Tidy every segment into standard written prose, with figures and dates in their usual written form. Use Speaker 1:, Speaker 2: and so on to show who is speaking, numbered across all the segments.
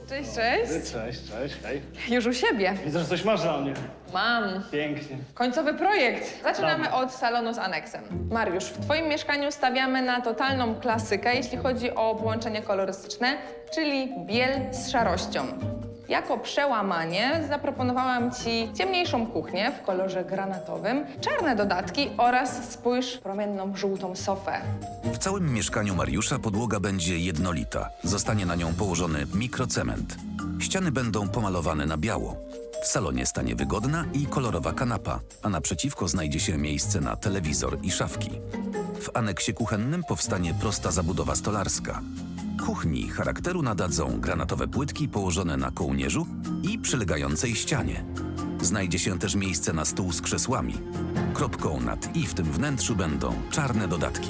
Speaker 1: Cześć, cześć.
Speaker 2: Cześć, hej.
Speaker 1: Już u siebie.
Speaker 2: Widzę, że coś masz dla mnie.
Speaker 1: Mam.
Speaker 2: Pięknie.
Speaker 1: Końcowy projekt. Zaczynamy od salonu z aneksem. Mariusz, w twoim mieszkaniu stawiamy na totalną klasykę, jeśli chodzi o połączenie kolorystyczne, czyli biel z szarością. Jako przełamanie zaproponowałam ci ciemniejszą kuchnię w kolorze granatowym, czarne dodatki oraz, spójrz, promienną żółtą sofę.
Speaker 3: W całym mieszkaniu Mariusza podłoga będzie jednolita. Zostanie na nią położony mikrocement. Ściany będą pomalowane na biało. W salonie stanie wygodna i kolorowa kanapa, a naprzeciwko znajdzie się miejsce na telewizor i szafki. W aneksie kuchennym powstanie prosta zabudowa stolarska. Kuchni charakteru nadadzą granatowe płytki położone na kołnierzu i przylegającej ścianie. Znajdzie się też miejsce na stół z krzesłami. Kropką nad i w tym wnętrzu będą czarne dodatki.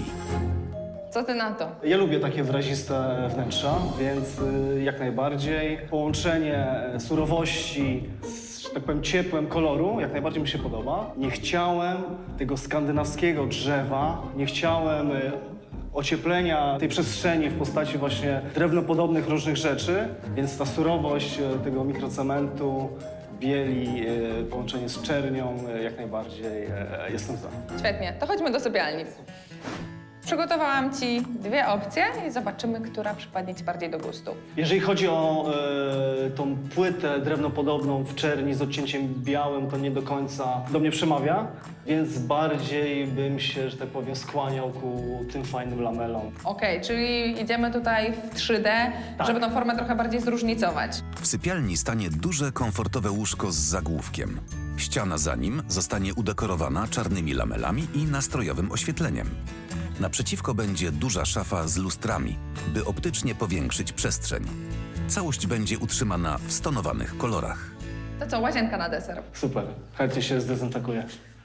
Speaker 1: Co ty na to?
Speaker 2: Ja lubię takie wyraziste wnętrza, więc jak najbardziej. Połączenie surowości z, że tak powiem, ciepłem koloru jak najbardziej mi się podoba. Nie chciałem tego skandynawskiego drzewa, nie chciałem ocieplenia tej przestrzeni w postaci właśnie drewnopodobnych różnych rzeczy, więc ta surowość tego mikrocementu, bieli, połączenie z czernią, jak najbardziej jestem za.
Speaker 1: Świetnie, to chodźmy do sypialni. Przygotowałam ci dwie opcje i zobaczymy, która przypadnie ci bardziej do gustu.
Speaker 2: Jeżeli chodzi o tą płytę drewnopodobną w czerni z odcięciem białym, to nie do końca do mnie przemawia, więc bardziej bym się, że tak powiem, skłaniał ku tym fajnym lamelom.
Speaker 1: Okej, czyli idziemy tutaj w 3D, żeby tą formę trochę bardziej zróżnicować.
Speaker 3: W sypialni stanie duże, komfortowe łóżko z zagłówkiem. Ściana za nim zostanie udekorowana czarnymi lamelami i nastrojowym oświetleniem. Naprzeciwko będzie duża szafa z lustrami, by optycznie powiększyć przestrzeń. Całość będzie utrzymana w stonowanych kolorach.
Speaker 1: To co, łazienka na deser.
Speaker 2: Super, chętnie się zdezynfekuję.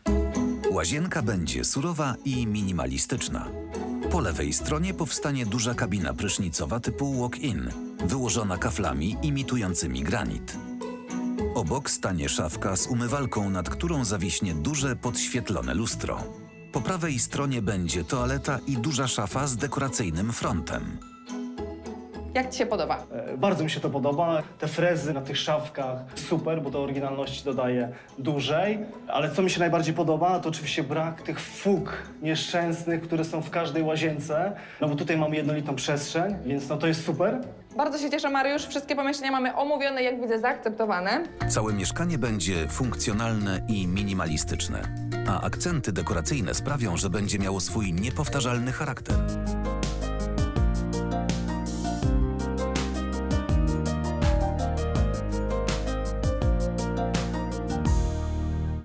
Speaker 3: Łazienka będzie surowa i minimalistyczna. Po lewej stronie powstanie duża kabina prysznicowa typu walk-in, wyłożona kaflami imitującymi granit. Obok stanie szafka z umywalką, nad którą zawiśnie duże, podświetlone lustro. Po prawej stronie będzie toaleta i duża szafa z dekoracyjnym frontem.
Speaker 1: Jak ci się podoba?
Speaker 2: Bardzo mi się to podoba. Te frezy na tych szafkach super, bo to oryginalności dodaje dłużej. Ale co mi się najbardziej podoba, to oczywiście brak tych fug nieszczęsnych, które są w każdej łazience. No bo tutaj mamy jednolitą przestrzeń, więc no to jest super.
Speaker 1: Bardzo się cieszę, Mariusz. Wszystkie pomieszczenia mamy omówione, jak widzę, zaakceptowane.
Speaker 3: Całe mieszkanie będzie funkcjonalne i minimalistyczne, a akcenty dekoracyjne sprawią, że będzie miało swój niepowtarzalny charakter.